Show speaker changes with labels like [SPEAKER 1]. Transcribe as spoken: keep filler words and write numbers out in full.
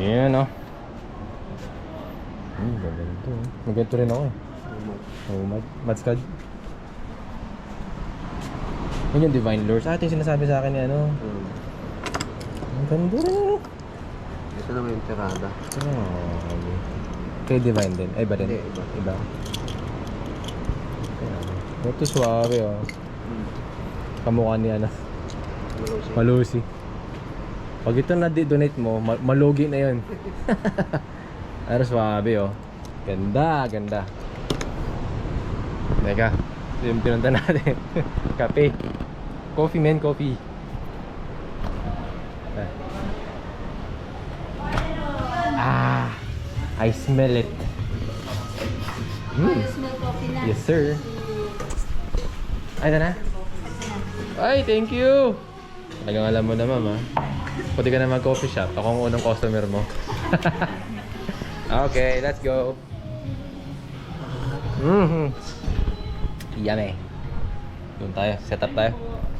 [SPEAKER 1] Ayan o. Hmm, gaganto. Maganto rin ako eh. Oh, mad madskad. Yun yung Divine Lures. Ah, ito yung sinasabi sa akin ni ano.
[SPEAKER 2] Hmm.
[SPEAKER 1] Ang ganda rin ano.
[SPEAKER 2] Ito naman yung tirada.
[SPEAKER 1] Oh, kay Divine din. Ay, iba din.
[SPEAKER 2] Hindi, iba.
[SPEAKER 1] Iba. Ito suave oh.
[SPEAKER 2] Hmm.
[SPEAKER 1] Kamukha ni ano.
[SPEAKER 2] Malusi.
[SPEAKER 1] Malusi. Pag ito na-donate mo, ma malugi na yun. Pero suave oh. Ganda, ganda. Teka, ito yung pinunta natin. Kape. Coffee man, coffee. Ah, I smell it. Mm. Yes sir. Ay, ito na. Ay, thank you. Talagang alam mo na, mama. Pwede ka na mag-coffee shop. Ako ang unang customer mo. Okay, let's go. Mm-hmm. Yummy. Doon tayo. Set up tayo.